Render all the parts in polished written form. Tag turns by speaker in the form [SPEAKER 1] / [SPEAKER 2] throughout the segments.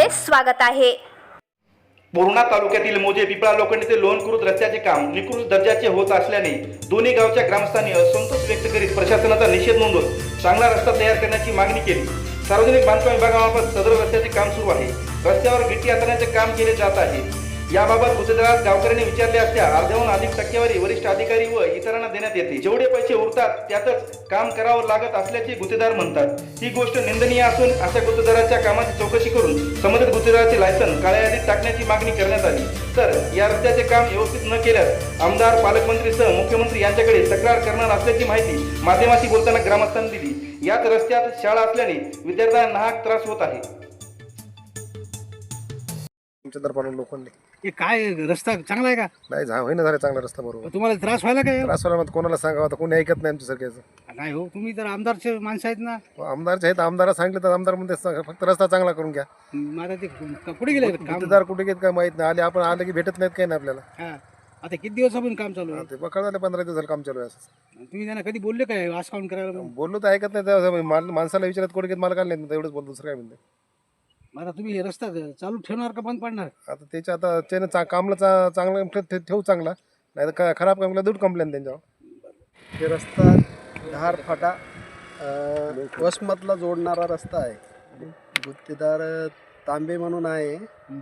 [SPEAKER 1] आपले स्वागत आहे।
[SPEAKER 2] पूर्णा तालुक्यातील मोजे पिपळा लोखंडी ते लोणकृत रस्त्याचे काम निकृष्ट दर्जाचे होत असल्याने दोन्ही गावच्या ग्रामस्थांनी असंतोष व्यक्त करीत प्रशासनाचा निषेध नोंदवून चांगला रस्ता तयार करण्याची मागणी केली। सार्वजनिक बांधकाम विभागामार्फत सदर रस्त्याचे काम सुरू आहे। रस्त्यावर गिट्टी हाताळण्याचे काम केले जात आहे। याबाबत गुत्तेदारास गावकऱ्यांनी विचारले असता अर्ध्याहून अधिक टक्केवारी वरिष्ठ अधिकारी व इतरांना देण्यात येते। जेवढे पैसे उरतात त्यातच काम करावं लागत असल्याचे गुत्तेदार म्हणतात। ही गोष्ट निंदनीय असून अशा गुत्तेदाराच्या कामाची चौकशी करून संबंधित गुत्तेदाराचे लायसन काळ्या यादीत टाकण्याची मागणी करण्यात आली। तर या रस्त्याचे काम व्यवस्थित न केल्यास आमदार पालकमंत्रीसह मुख्यमंत्री यांच्याकडे तक्रार करणार असल्याची माहिती माध्यमांशी बोलताना ग्रामस्थांनी दिली। याच रस्त्यात शाळा असल्याने विद्यार्थ्यांना नाहक त्रास होत आहे।
[SPEAKER 3] लोखंडे
[SPEAKER 4] हे काय रस्ता चांगला आहे का?
[SPEAKER 3] नाही होईना झाला चांगला रस्ता बरोबर।
[SPEAKER 4] तुम्हाला त्रास व्हायला काय?
[SPEAKER 3] त्रास व्हायला मग कोणाला सांगावं आता, कोणी ऐकत नाही आमच्यासारख्याचं।
[SPEAKER 4] नाही हो, तुम्ही तर आमदारचे माणसं आहेत ना।
[SPEAKER 3] आमदारचे आहेत, आमदार सांगितलं तर आमदार म्हणते फक्त रस्ता चांगला करून घ्या।
[SPEAKER 4] आता ते कुठे गेले?
[SPEAKER 3] गुत्तेदार कुठे घेत काय माहित नाही, आले आपण आले की भेटत नाहीत काही नाही आपल्याला।
[SPEAKER 4] हा, आता किती दिवसापासून काम चालू आहे?
[SPEAKER 3] ते बकळ झाले 15 दिवस झालं काम चालू आहे असं।
[SPEAKER 4] तुम्ही त्यांना कधी बोलले काय वास काउंट करायला?
[SPEAKER 3] बोललो तर ऐकत नाही, त्या माणसाला विचारत कोणी घेत मला काय नाही, एवढंच बोलतो, दुसरं काय म्हणते।
[SPEAKER 4] आता तुम्ही हे रस्ता चालू ठेवणार का बंद पडणार?
[SPEAKER 3] आता त्याच्या आता त्यानं कामला चांगलं ठेवू चांगला, नाही तर खराब कामला दूर कंप्लेंट त्यांच्यावर।
[SPEAKER 5] हे रस्ता धार फाटा वसमतला जोडणारा रस्ता आहे। गुत्तेदार तांबे म्हणून आहे।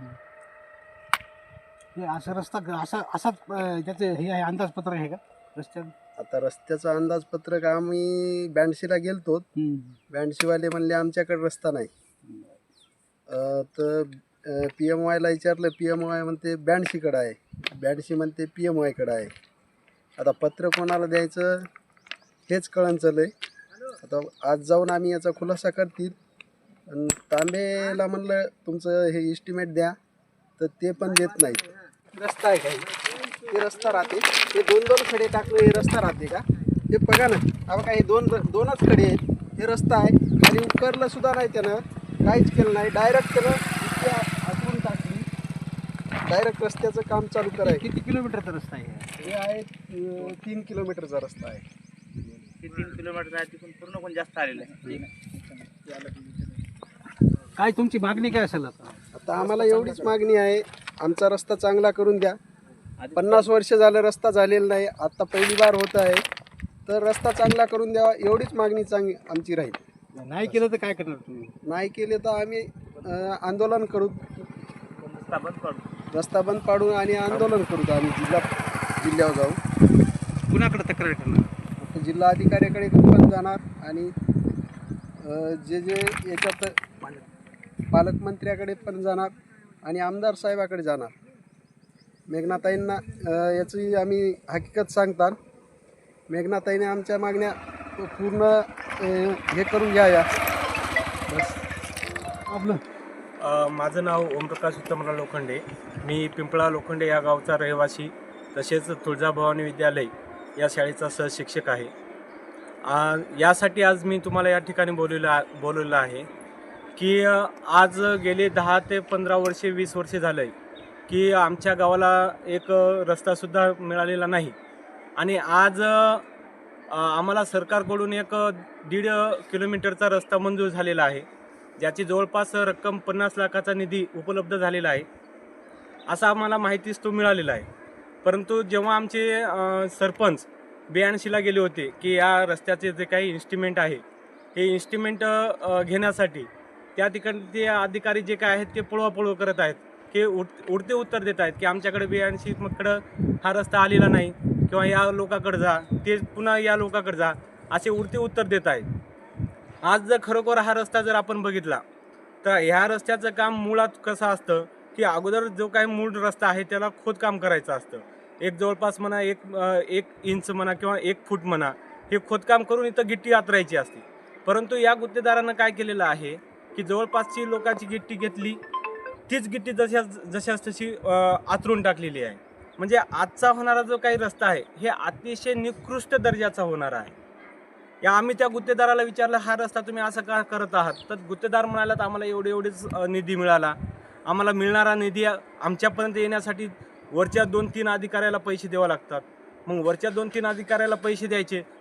[SPEAKER 4] हे असा रस्ता असाच त्याचे हे आहे, अंदाजपत्र आहे का रस्त्यात?
[SPEAKER 5] आता रस्त्याचं अंदाजपत्रक आम्ही बँडशीला गेलतो, बँडशीवाले म्हणले आमच्याकडे रस्ता नाही। तर PMYला विचारलं, PMY म्हणते बँडशीकडं आहे, बँडशी म्हणते PMYकडं आहे। आता पत्र कोणाला द्यायचं हेच कळण चाललं आहे। आता आज जाऊन आम्ही याचा खुलासा करतील। आणि तांबेला म्हणलं तुमचं हे इस्टिमेट द्या, तर ते पण देत नाहीत। रस्ता आहे काही हे रस्ता राहते, हे दोन खडे टाकले हे रस्ता राहते का? हे बघा ना, अबा काय हे दोनच खडे आहेत, हे रस्ता आहे। खाली उकरलं सुद्धा नाही त्यानं, काहीच केलं नाही, डायरेक्ट त्यानं आतून टाकली, डायरेक्ट रस्त्याचं काम चालू करायचं।
[SPEAKER 4] किती किलोमीटरचा रस्ता आहे?
[SPEAKER 5] हे आहे 3 किलोमीटरचा रस्ता आहे।
[SPEAKER 6] 3 किलोमीटर आहे, तिथून पूर्ण पण जास्त आलेलं आहे।
[SPEAKER 4] काय तुमची मागणी काय असेल?
[SPEAKER 5] आता आम्हाला एवढीच मागणी आहे, आमचा रस्ता चांगला करून द्या। 50 वर्ष झालं रस्ता झालेला नाही, आता पहिली बार होत आहे, तर रस्ता चांगला करून द्यावा एवढीच मागणी आमची राहील।
[SPEAKER 4] नाही केलं तर काय करणार तुम्ही?
[SPEAKER 5] नाही केले तर आम्ही आंदोलन करू, रस्ता बंद पाडू आणि आंदोलन करू। आम्ही जिल्ह्यावर जाऊ,
[SPEAKER 4] कुणाकडे तक्रार करणार?
[SPEAKER 5] जिल्हा अधिकाऱ्याकडे पण जाणार आणि जे याच्यात पालकमंत्र्याकडे पण जाणार आणि आमदार साहेबाकडे जाणार। मेघनाताईंना याची आम्ही हकीकत सांगतात। मेघनाताईने आमच्या मागण्या पूर्ण हे करून घ्या बस।
[SPEAKER 4] आपलं
[SPEAKER 7] माझं नाव ओमप्रकाश उत्तमराव लोखंडे, मी पिंपळा लोखंडे या गावचा रहिवासी, तसेच तुळजाभवानी विद्यालय या शाळेचा सहशिक्षक आहे। यासाठी आज मी तुम्हाला या ठिकाणी बोलवलेलं आहे की आज गेले 10 ते 15 वर्षे 20 वर्षे झालं आहे की आमच्या गावाला एक रस्तासुद्धा मिळालेला नाही। आणि आज आम्हाला सरकारकडून एक 1.5 किलोमीटरचा रस्ता मंजूर झालेला आहे, ज्याची जवळपास रक्कम 50 लाखाचा निधी उपलब्ध झालेला आहे, असा आम्हाला माहितीच तो मिळालेला आहे। परंतु जेव्हा आमचे सरपंच BNCला गेले होते की या रस्त्याचे जे काही इन्स्ट्रुमेंट आहे हे इन्स्ट्रुमेंट घेण्यासाठी, त्या ठिकाणी ते अधिकारी जे काय आहेत ते पळवापळव करत आहेत, की उडते उत्तर देत आहेत की आमच्याकडे BNCकडं हा रस्ता आलेला नाही, किंवा या लोकांकडे जा, ते पुन्हा या लोकांकडे जा, असे उडते उत्तर देत आहेत। आज जर खरोखर हा रस्ता जर आपण बघितला तर ह्या रस्त्याचं काम मुळात कसं असतं की अगोदर जो काही मूळ रस्ता आहे त्याला खोदकाम करायचं असतं। एक जवळपास म्हणा एक इंच म्हणा किंवा 1 फूट म्हणा, हे खोदकाम करून इथं गिट्टी आतरायची असते। परंतु या गुत्तेदारानं काय केलेलं आहे की जवळपासची लोकांची गिट्टी घेतली, तीच गिट्टी जशाच तशी आतरून टाकलेली आहे। म्हणजे आजचा होणारा जो काही रस्ता आहे हे अतिशय निकृष्ट दर्जाचा होणार आहे। या आम्ही त्या गुत्तेदाराला विचारलं, हा रस्ता तुम्ही असं का करत आहात? तर गुत्तेदार म्हणाला तर आम्हाला एवढेच निधी मिळाला, आम्हाला मिळणारा निधी आमच्यापर्यंत येण्यासाठी वरच्या 2-3 अधिकाऱ्याला पैसे द्यावे लागतात। मग वरच्या 2-3 अधिकाऱ्याला पैसे द्यायचे,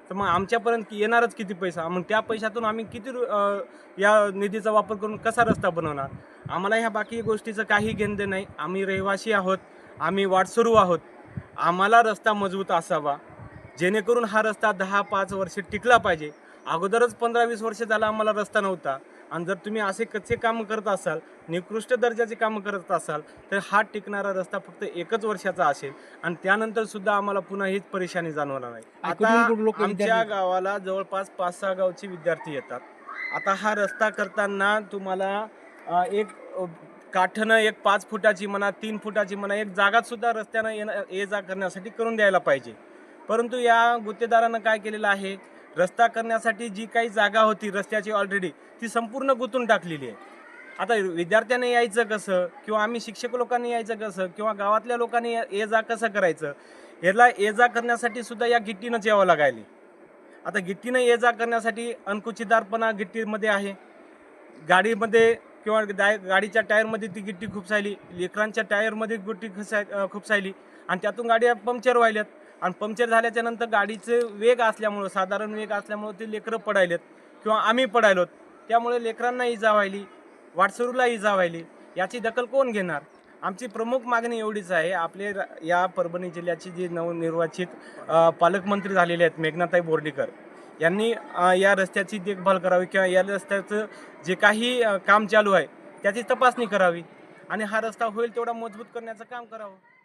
[SPEAKER 7] तर मग आमच्यापर्यंत येणारच किती पैसा, मग त्या पैशातून आम्ही किती या निधीचा वापर करून कसा रस्ता बनवणार. आम्हाला ह्या बाकी गोष्टीचं काही घेणं नाही. आम्ही रहिवासी आहोत, आम्ही वाटसरू आहोत. आम्हाला रस्ता मजबूत असावा, जेणेकरून हा रस्ता 10-5 वर्षे टिकला पाहिजे. अगोदरच 15-20 वर्ष झाला आम्हाला रस्ता नव्हता, आणि जर तुम्ही असे कच्चे कामं करत असाल, निकृष्ट दर्जाचे कामं करत असाल, तर हा टिकणारा रस्ता फक्त 1 वर्षाचा असेल, आणि त्यानंतर सुद्धा आम्हाला पुन्हा हीच परेशानी जाणवणार नाही.
[SPEAKER 4] कुठून कुठून लोक
[SPEAKER 7] आता आमच्या
[SPEAKER 4] विद्यार्थी-
[SPEAKER 7] गावाला जवळपास 5-6 गावचे विद्यार्थी येतात. आता हा रस्ता करताना तुम्हाला एक काठनं एक 5 फुटाची म्हणा, 3 फुटाची म्हणा, एक जागा सुद्धा रस्त्यानं ये जा करण्यासाठी करून द्यायला पाहिजे. परंतु या गुत्तेदारानं काय केलेलं आहे, रस्ता करण्यासाठी जी काही जागा होती रस्त्याची ऑलरेडी, ती संपूर्ण गुंतून टाकलेली आहे. आता विद्यार्थ्यांनी यायचं कसं, किंवा आम्ही शिक्षक लोकांनी यायचं कसं, किंवा गावातल्या लोकांनी ये जा कसं करायचं, याला ये जा करण्यासाठी सुद्धा या गिट्टीनंच यावं लागायली. आता गिट्टीनं ये जा करण्यासाठी अंकुचितदारपणा गिट्टीमध्ये आहे. गाडीमध्ये किंवा गाडीच्या टायरमध्ये ती गिट्टी खुपसायली, लेकरांच्या टायरमध्ये गिट्टी खुपसायली, आणि त्यातून गाड्या पंक्चर व्हायल्यात. आणि पंक्चर झाल्याच्या नंतर गाडीचे वेग असल्यामुळं, साधारण वेग असल्यामुळं ते लेकरं पडायलेत किंवा आम्ही पडायलोत. त्यामुळे लेकरांना इजा व्हायली, वाटसरूला इजा व्हायली. याची दखल कोण घेणार. आमची प्रमुख मागणी एवढीच आहे, आपले या परभणी जिल्ह्याची जी नवनिर्वाचित पालकमंत्री झालेले आहेत मेघनाताई बोर्डीकर यांनी या रस्त्याची देखभाल करावी, किंवा या रस्त्याचं जे काही काम चालू आहे त्याची तपासणी करावी, आणि हा रस्ता होईल तेवढा मजबूत करण्याचं काम करावं.